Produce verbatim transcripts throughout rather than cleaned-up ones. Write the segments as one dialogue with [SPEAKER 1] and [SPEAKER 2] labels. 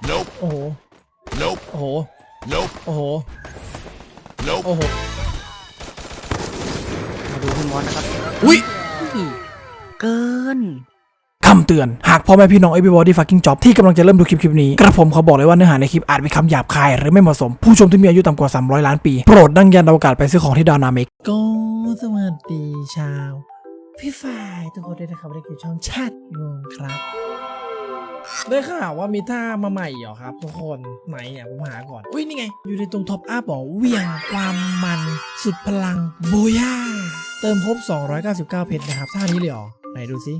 [SPEAKER 1] Nope
[SPEAKER 2] โอ้โห
[SPEAKER 1] Nope
[SPEAKER 2] โอ้โห
[SPEAKER 1] Nope
[SPEAKER 2] โอ้โห
[SPEAKER 1] Nope
[SPEAKER 2] โอ้โห
[SPEAKER 3] มาดูพี่มอสนะครับ
[SPEAKER 2] อุ้ย
[SPEAKER 3] เกิน
[SPEAKER 2] คำเตือนหากพ่อแม่พี่น้อง everybody fucking job ที่กำลังจะเริ่มดูคลิปคลิปนี้กระผมเขาบอกเลยว่าเนื้อหาในคลิปอาจมีคำหยาบคายหรือไม่เหมาะสมผู้ชมที่มีอายุต่ำกว่าสามร้อยล้านปีโปรดดังยันอวกาศไปซื้อของที่ดาวนาเมกก็สวัสดีชาวพี่ฝ่ายทุกคนด้วยนะครับในคลิปช่องชาติงงครับได้ข่าวว่ามีท่ามาใหม่เหรอครับทุกคนไหนเนี่ยผมหาก่อนอุ้ยนี่ไงอยู่ในตรงท็อปอัพบอกเวียงความมันสุดพลังโบย่าเติมครบสองร้อยเก้าสิบเก้าเพชรนะครับท่านี้เลยเหรอไหนดูซิ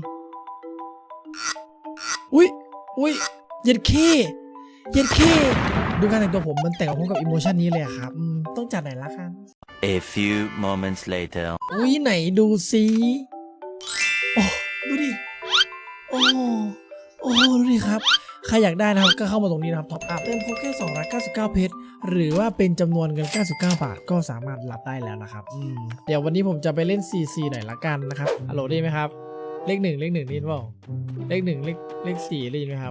[SPEAKER 2] อุ้ยอุ้ยเย็ดเคเย็ดเคดูการแต่งตัวผมมันแต่งกับผมกับอิโมชันนี้เลยครับต้องจัดไหนละครับ
[SPEAKER 4] A few moments later
[SPEAKER 2] อุ้ยไหนดูซิโอ้ดูดิโอ้โอ้ดูดิครับใครอยากได้นะครับก็เข้ามาตรงนี้นะครับท็อปอัพเติมครบแค่สองร้อยเก้าสิบเก้าเพชรหรือว่าเป็นจำนวนเงินเก้าสิบเก้าบาทก็สามารถรับได้แล้วนะครับเดี๋ยววันนี้ผมจะไปเล่น ซี ซี หน่อยละกันนะครับฮัลโหลได้ไหมครับเลขหนึ่งเลขหนึ่งได้ยินเปล่าเลขหนึ่งเลขเลขสี่ได้ยินไหมครับ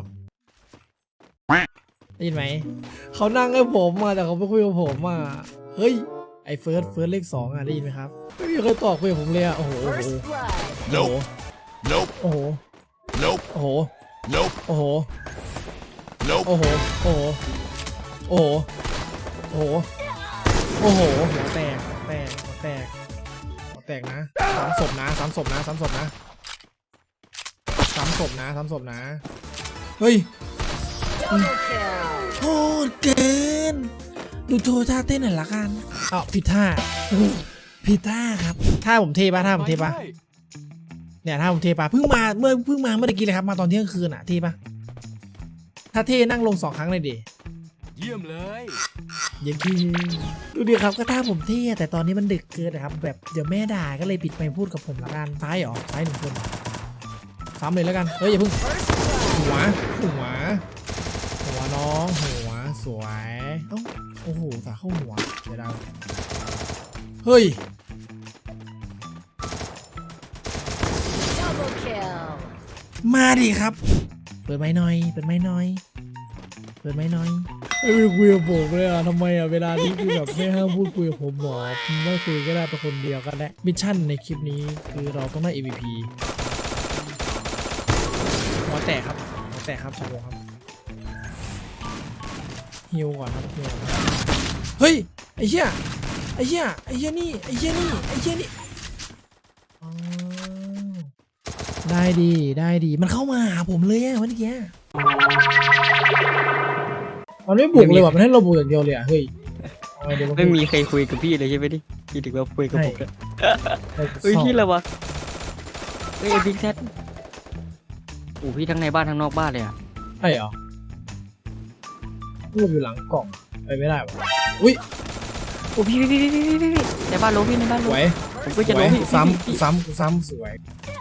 [SPEAKER 2] ได้ยินไหมเขานั่งให้ผมมาแต่เขาไม่คุยกับผมอ่ะเฮ้ยไอ้เฟิร์สเฟิร์สเลขสองอ่ะได้ยินไหมครับไม่มีใครตอบคุยกับผมเลยอ่ะโอ้โหโอ้โห
[SPEAKER 1] Nope
[SPEAKER 2] โอ้โห
[SPEAKER 1] Nope
[SPEAKER 2] โอ้โห
[SPEAKER 1] Nope
[SPEAKER 2] โอ้โห
[SPEAKER 1] Nope
[SPEAKER 2] โอ้โหโอ้โหโอ้โหโอ้โหโอ้โหหัวแตกหัวแตกหัวแตกหัวแตกนะสามศพนะสามศพนะสามศพนะสามศพนะสามศพนะเฮ้ยโหดเกินดูโชว์ท่าเต้นหน่อยละกันอ้าวผิดท่าผิดท่าครับท่าผมเทปะท่าผมเทปะเนี่ยท่าผมเทปะเพิ่งมาเมื่อเพิ่งมาเมื่อกี้เลยครับมาตอนเที่ยงคืนอ่ะเทปะถ้าเทนั่งลงสองครั้งเลยดิ
[SPEAKER 1] เยี่ยมเลย
[SPEAKER 2] เย็นที่ดูดิครับก็ท่าผมเท่แต่ตอนนี้มันดึกเกินนะครับแบบเดี๋ยวแม่ด่าก็เลยปิดไมค์พูดกับผมละกันซ้ายเหรอซ้ายหนึ่งคนซ้ำเลยแล้วกันเฮ้ยอย่าเพิ่งหัวหัวหัวน้องหัวสวยเอ้าโอ้โหสาเข้าหัวเดี๋ยวดาวเฮ้ยมาดิครับเปิดไม้หน่อยเปิดไม้หน่อยเปิดไม้หน่อยไม่คุยกับผมเลยอ่ะทำไมอ่ะเวลานี้คือแบบไม่ห้ามพูดคุยกับผมหรอไม่คุยก็ได้เป็นคนเดียวก็ได้มิชชั่นในคลิปนี้คือเราต้องได้ เอ็ม วี พี หัวแตกครับหัวแตกครับชาโบครับฮิวก่อนครับฮิวก่อนเฮ้ยไอ้เหี้ยไอ้เหี้ยไอ้เหี้ยนี่ไอ้เหี้ยนี่ไอ้เหี้ยนี่ได้ดีได้ดีมันเข้ามาหาผมเลยอะเมื่อกี้มันไม่บุกเลยว่ะมันให้เราบุกอย่างเดียวเลยอ่ะเฮ้ย
[SPEAKER 3] ไม่มีใครคุยกับพี่เลยใช่ไหมดิพี่ถึงว่าคุยกับผมเลยเฮ้ยพี่อะไรวะเฮ้ยบิ๊กแซดโอ้พี่ทั้งในบ้านทั้งนอกบ้านเลยอ่ะ
[SPEAKER 2] ใช่เหรอพูดอยู่หลังกล่องไปไม่ได้วะอุ้ย
[SPEAKER 3] โอ้พี่พี่พี่พี่พี่พี่ในบ้านโลพี่ในบ้านโลผมก็จะโลพี่
[SPEAKER 2] ซ้ำซ้ำซ้ำสวย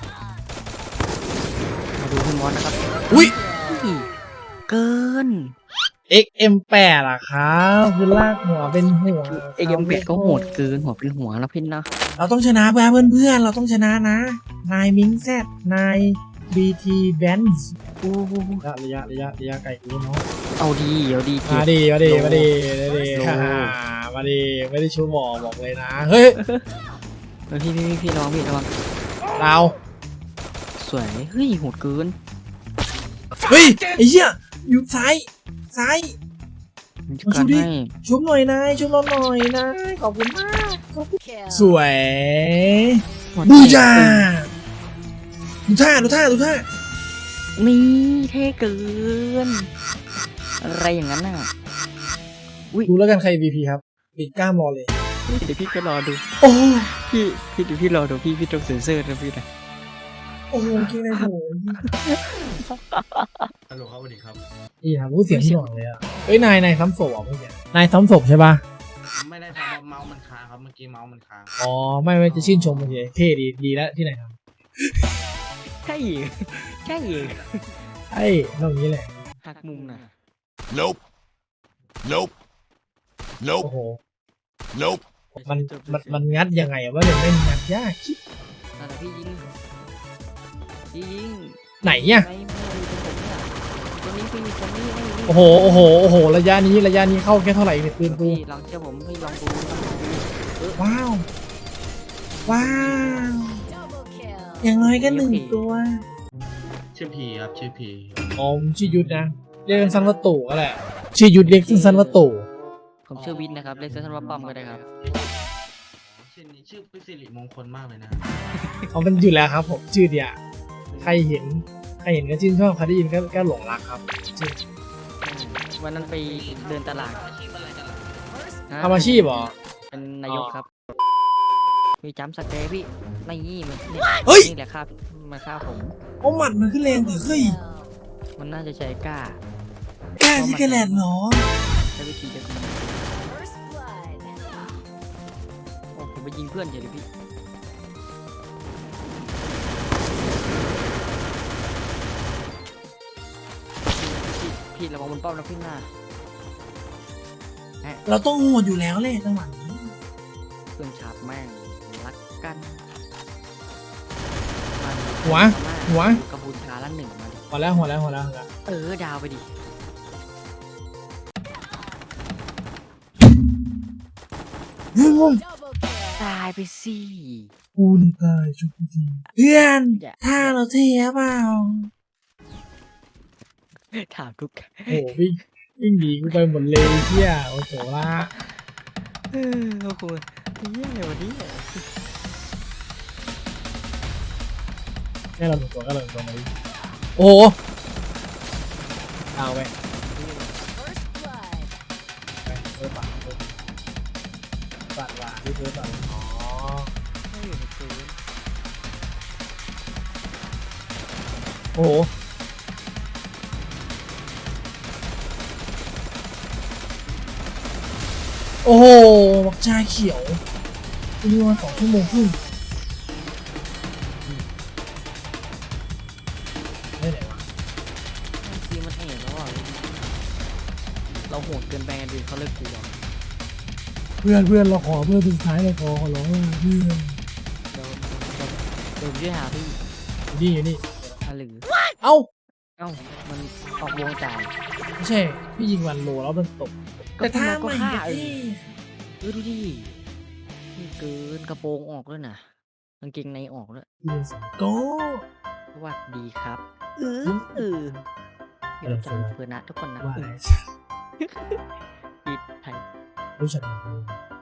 [SPEAKER 3] มาดูพี่มอสนะครับ
[SPEAKER 2] อุ้ย
[SPEAKER 3] เกิน
[SPEAKER 2] เอ็กซ์ เอ็ม แปด อ่ะครับคือลากหัวเป็นหัว
[SPEAKER 3] เอ็กซ์ เอ็ม แปด ก็โหดเกินหัวเป็นหัวแล้วพี่นะ
[SPEAKER 2] เราต้องชนะเพื่อนเพื่อนเราต้องชนะนะนายมิงแซดนายบีทีแบนซ์
[SPEAKER 3] โอ้
[SPEAKER 2] ระยะระยะระยะไกลกูเนาะ
[SPEAKER 3] เอาดีเอาดี
[SPEAKER 2] มาดีมาดีมาดีมาดีมาดีไม่ได้ชูหมอบอกเลยนะเฮ้ย
[SPEAKER 3] พี่พี่พี่ระวังพี่ระวัง
[SPEAKER 2] เรา
[SPEAKER 3] สวยเฮ้ยโหดเกิน
[SPEAKER 2] เฮ้ยไอ้เหี้ยอยู่ซ้ายซ้ายมาชุบดิชุบหน่อยนายชุบเราหน่อยนะขอบคุณมากสวยบูชาดูท่าดูท่าดูท่า
[SPEAKER 3] นี่เท่เกินอะไรอย่างนั้นน่ะ
[SPEAKER 2] ดูแล้วกันใคร วี พี ครับปิดกล้ามรอเลย
[SPEAKER 3] เดี๋ยวพี่ก็รอดู
[SPEAKER 2] โอ้
[SPEAKER 3] พี่พี่เดี๋ยวพี่รอดูพี่พี่ต้องเซ็นเซอร์นะพี่นะ
[SPEAKER 2] โอ้โหเก่งเลยโห
[SPEAKER 1] ฮัลโหลครับสวัสดีครับ
[SPEAKER 2] นี่ครับพูดเสียงที่หน่อยเลยอ่ะเอ้ยนายนายซ้ำศพอ่ะเมื่อกี้นายซ้ำศพใช่ป่ะ
[SPEAKER 1] ไม่ได้ทำเมาส์มันค้างครับเมื่อกี้เมาส์มันค้าง
[SPEAKER 2] อ๋อไม่ไม่จะชื่นชมเมื่อกี้เท่ดีดีแล้วที่ไหนครับ
[SPEAKER 3] ใช่ใช่
[SPEAKER 2] ไอ้ตรงนี้แหละ
[SPEAKER 3] หักมุมน่ะ
[SPEAKER 1] Nope Nope Nope
[SPEAKER 2] โอ้โห
[SPEAKER 1] Nope
[SPEAKER 2] มันมันมันงัดยังไงวะเลยไม่งัดยากคิด
[SPEAKER 3] อะไรพี่ยิงยิง
[SPEAKER 2] ไหนเนี่ย
[SPEAKER 3] ตนี้พี่ตรงนี้นี่นี่
[SPEAKER 2] โอ้โหโอ้โหโอ้โหระยะนี้ระยะนี้เข้าแค่เท่าไหร่เนี่ยปืนกู
[SPEAKER 3] พี่ลองเชื่อผมพี่ลองดูลองดู
[SPEAKER 2] ว้าวว้าวอย่างน้อยก็หนึ่งตัว
[SPEAKER 1] ชื่อพีครับชื่อพี
[SPEAKER 2] อ๋อผมชื่อยุทธนะเรียกสั้นๆว่าตู่ก็แหละชื่อยุทธเรียกสั้นๆว่าตู่
[SPEAKER 3] ผมชื่อวินนะครับเรียกสั้นๆว่าป้อมก็ได้ครับ
[SPEAKER 1] ชื่อนี้ชื่อเป็นสิริมงคลมากเลยนะ
[SPEAKER 2] เขาเป็นอยู่แล้วครับผมชื่อเดียใครเห็นใครเห็นก็ชื่นชอบใครได้ยินก็ก็หลงรักครับชื่อ
[SPEAKER 3] วันนั้นไปเดินตลาด
[SPEAKER 1] อาชีพอะไรกันล่ะ
[SPEAKER 3] ฮะ
[SPEAKER 2] ทำอาชีพเหรอ
[SPEAKER 3] เป็นนายกครับมีจัมป์สเตย์พี่นี่มันนี่
[SPEAKER 2] เฮ้ย
[SPEAKER 3] นี่แหละครับมาฆ่าผม
[SPEAKER 2] โอ้หมัดมันขึ้นแรงแต่เฮ้ย
[SPEAKER 3] มันน่าจะใช้กล้า
[SPEAKER 2] แกซิกแลนด์เหรอ
[SPEAKER 3] ใช้วิธีเดียวกันโอ้ผมไปยิงเพื่อนเฉยเลยพี่พี่พี่ระวังบนป้อมนะพี่หน้า
[SPEAKER 2] เราต้องโหดอยู่แล้วเลยจังหวะนี้
[SPEAKER 3] เพื่อนฉาบแม่งรักกัน
[SPEAKER 2] หัวหัว
[SPEAKER 3] กัมพูชาละหนึ่งมาดิ
[SPEAKER 2] หัวแล้วหัวแล้วหัวแล้วหัวแล้ว
[SPEAKER 3] เออดาวไปดิตายไปสิ
[SPEAKER 2] กูนี่ตายชุบทีเพื่อน
[SPEAKER 3] อย่า
[SPEAKER 2] ถ้าเราเทียเปล่า
[SPEAKER 3] ถามทุก
[SPEAKER 2] โอ้วิ่งวิ่งหนีกูไปหมดเลยเที่ยโอ้โหละ
[SPEAKER 3] เออโอ้โหเยี่ยวันนี้
[SPEAKER 2] แค่เราหนึ่งตัวก็เราหนึ่งตัวมาดิโอ้โหเอาไปไปเซิร์ฟฝั่งเซิร์ฟฝั่งว่าที่เซิร์ฟฝั่งอ๋อ
[SPEAKER 3] ไม่อยู่ในคืน
[SPEAKER 2] โอ้โหโอ้โหบักชาเขียวคุณดูมาสองชั่วโมงครึ่งไม่ไหนวะ
[SPEAKER 3] ซีมันเอ๋แล้วอ่ะเราโหดเกินไปกันดิเขาเลิกกลัว
[SPEAKER 2] เพื่อนเพื่อนเราขอเพื่อนเป็นสุดท้ายเราขอขอร้องเพื่อน
[SPEAKER 3] เดี๋ยวเดี๋ยวผมช่วยหาพี่
[SPEAKER 2] อยู่นี่อยู่นี่
[SPEAKER 3] อาหรือ
[SPEAKER 2] เอ้า
[SPEAKER 3] เอ้ามันออกวงจ่าย
[SPEAKER 2] ไม่ใช่พี่ยิงวันโลแล้วมันตกแต่ถ้า
[SPEAKER 3] ก็
[SPEAKER 2] ไม่
[SPEAKER 3] ฆ่า
[SPEAKER 2] เอ
[SPEAKER 3] เออเออดูดินี่เกินกระโปรงออกด้วยนะกางเกงในออกด้วย
[SPEAKER 2] ยิงสองโก้
[SPEAKER 3] สวัสดีครับเออเออเดี๋ยวจะเพื่อนนะทุกคนนะ
[SPEAKER 2] ว่าอะไร
[SPEAKER 3] ปิดไทย
[SPEAKER 2] รู้จักไหม